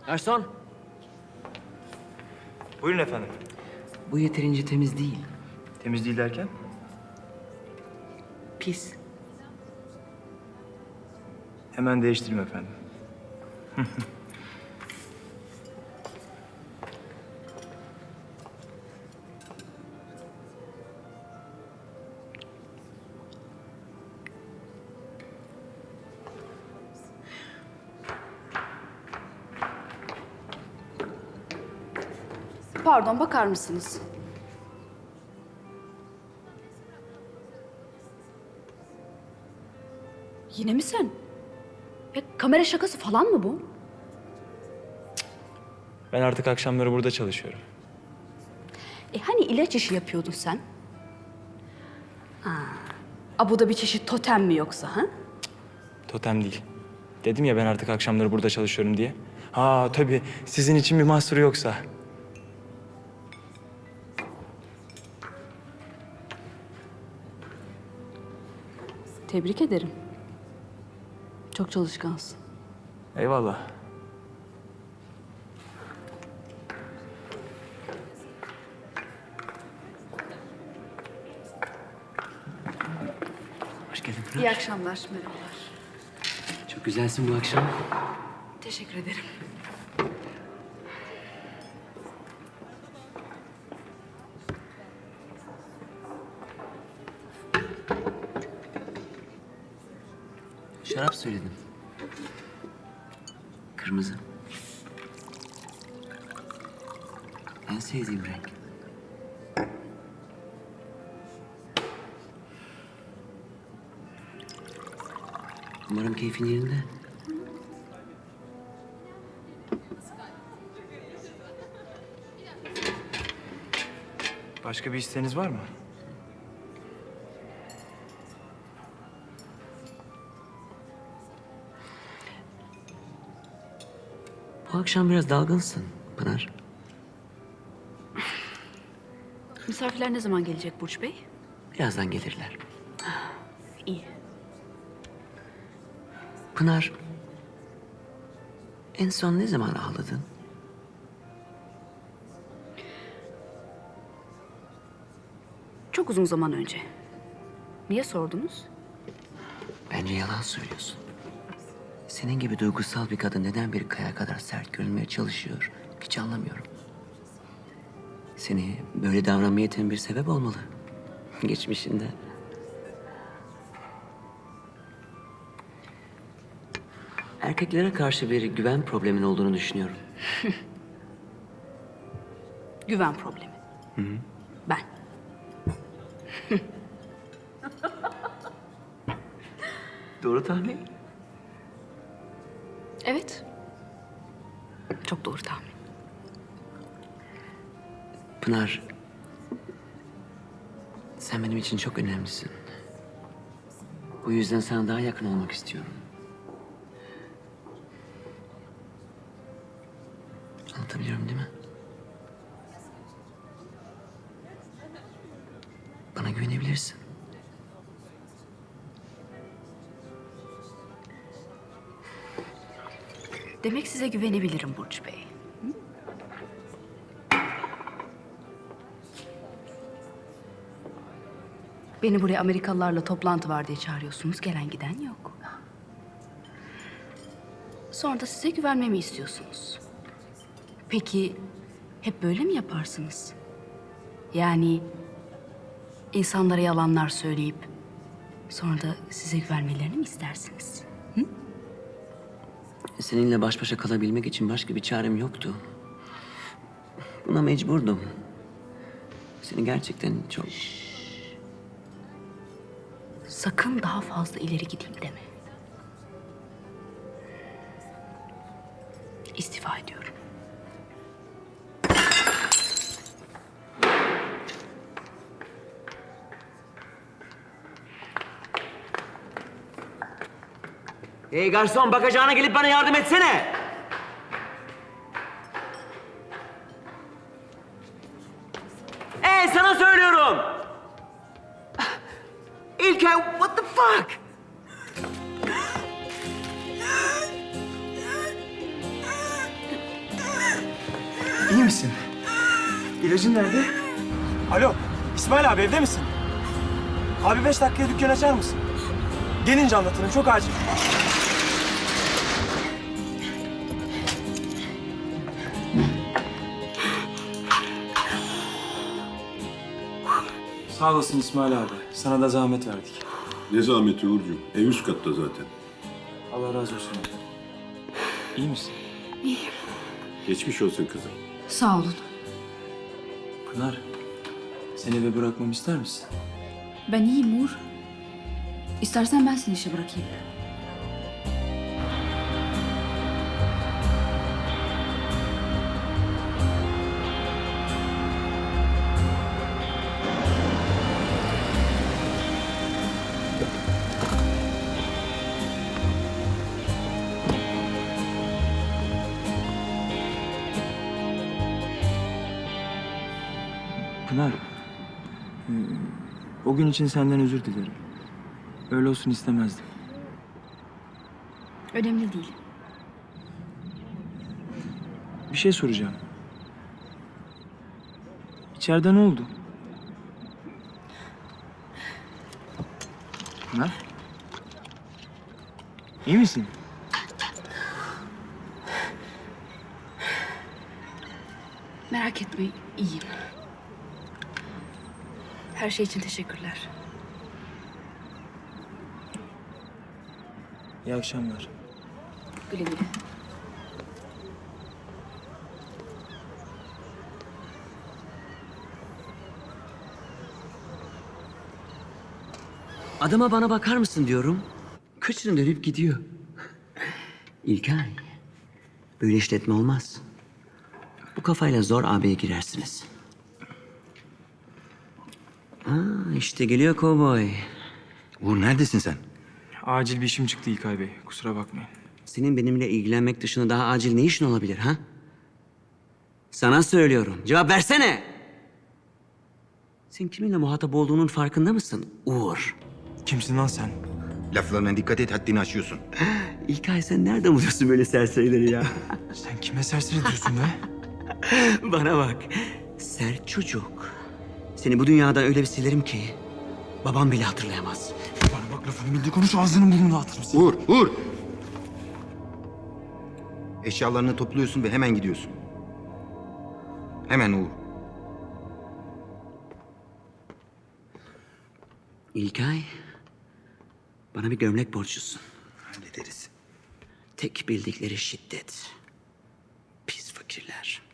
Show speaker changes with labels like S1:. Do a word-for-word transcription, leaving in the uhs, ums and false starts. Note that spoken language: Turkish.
S1: Garson,
S2: Buyurun efendim.
S1: bu yeterince temiz değil.
S2: Temiz değil derken?
S1: Pis.
S2: Hemen değiştireyim efendim.
S3: Pardon, bakar mısınız? Yine mi sen? Ya, kamera şakası falan mı bu?
S2: Ben artık akşamları burada çalışıyorum.
S3: E hani ilaç işi yapıyordun sen? Ha. A, bu da bir çeşit totem mi yoksa ha?
S2: Totem değil. Dedim ya ben artık akşamları burada çalışıyorum diye. Ha tabii sizin için bir mahsuru yoksa.
S3: Tebrik ederim. Çok çalışkansın.
S2: Eyvallah.
S1: Hoş geldin Pınar.
S3: İyi akşamlar, merhabalar.
S1: Çok güzelsin bu akşam.
S3: Teşekkür ederim.
S1: Şarap söyledim. Kırmızı. En sevdiğim renk. Umarım keyfin yerinde.
S2: Başka bir isteğiniz var mı?
S1: Bu akşam biraz dalgınsın Pınar.
S3: Misafirler ne zaman gelecek Burç Bey?
S1: Birazdan gelirler.
S3: İyi.
S1: Pınar, en son ne zaman ağladın?
S3: Çok uzun zaman önce. Niye sordunuz?
S1: Bence yalan söylüyorsun. Senin gibi duygusal bir kadın neden bir kaya kadar sert görünmeye çalışıyor? Hiç anlamıyorum. Seni böyle davranmaya iten bir sebep olmalı. Geçmişinde. Erkeklere karşı bir güven problemin olduğunu düşünüyorum.
S3: Güven problemi. Ben.
S1: Doğru tahmin.
S3: Evet. Çok doğru tahmin.
S1: Pınar, sen benim için çok önemlisin. Bu yüzden sana daha yakın olmak istiyorum. Anlatabiliyorum değil mi? Bana güvenebilirsin.
S3: Demek size güvenebilirim Burç Bey. Hı? Beni buraya Amerikalılarla toplantı var diye çağırıyorsunuz. Gelen giden yok. Sonra da size güvenmemi istiyorsunuz. Peki hep böyle mi yaparsınız? Yani insanlara yalanlar söyleyip sonra da size güvenmelerini mi istersiniz?
S1: Seninle baş başa kalabilmek için başka bir çarem yoktu. Buna mecburdum. Seni gerçekten çok...
S3: Sakın daha fazla ileri gideyim deme. İstifa ediyorum.
S1: Hey garson, bakacağına gelip bana yardım etsene. Hey, sana söylüyorum. İlker, what the fuck?
S2: misin? İlacın nerede? Alo, İsmail abi evde misin? Abi beş dakikaya dükkan açar mısın? Gelince anlatırım, çok acil. Sağ olasın İsmail abi. Sana da zahmet verdik.
S4: Ne zahmeti Uğurcuğum? Ev üst katta zaten.
S2: Allah razı olsun abi. İyi misin?
S4: Geçmiş olsun kızım.
S3: Sağ olun.
S2: Pınar, seni eve bırakmamı ister misin?
S3: Ben iyiyim Uğur. İstersen ben seni işe bırakayım.
S2: Pınar, hmm, o gün için senden özür dilerim. Öyle olsun istemezdim.
S3: Önemli değil.
S2: Bir şey soracağım. İçeride ne oldu? Pınar? İyi misin?
S3: Merak etme, iyiyim. Her şey için teşekkürler.
S2: İyi akşamlar.
S3: Güle güle.
S1: Adama bana bakar mısın diyorum. Kıçını dönüp gidiyor. İlkay, böyle işletme olmaz. Bu kafayla zor A B'ye girersiniz. Aa, işte geliyor kovboy.
S5: Uğur neredesin sen?
S2: Acil bir işim çıktı İlkay Bey. Kusura bakmayın.
S1: Senin benimle ilgilenmek dışında daha acil ne işin olabilir ha? Sana söylüyorum. Cevap versene. Sen kiminle muhatap olduğunun farkında mısın Uğur?
S2: Kimsin lan sen?
S5: Laflarına dikkat et, haddini aşıyorsun.
S1: İlkay sen nereden buluyorsun böyle serserileri ya?
S2: Sen kime serseri diyorsun be?
S1: Bana bak. Sert çocuk. Seni bu dünyadan öyle bir silerim ki babam bile hatırlayamaz.
S2: Bana bak lafını bildi konuş ağzını burnunu dağıtırım seni.
S5: Uğur, Uğur! Eşyalarını topluyorsun ve hemen gidiyorsun. Hemen Uğur.
S1: İlkay, bana bir gömlek borçlusun.
S5: Hallederiz.
S1: Tek bildikleri şiddet. Pis fakirler.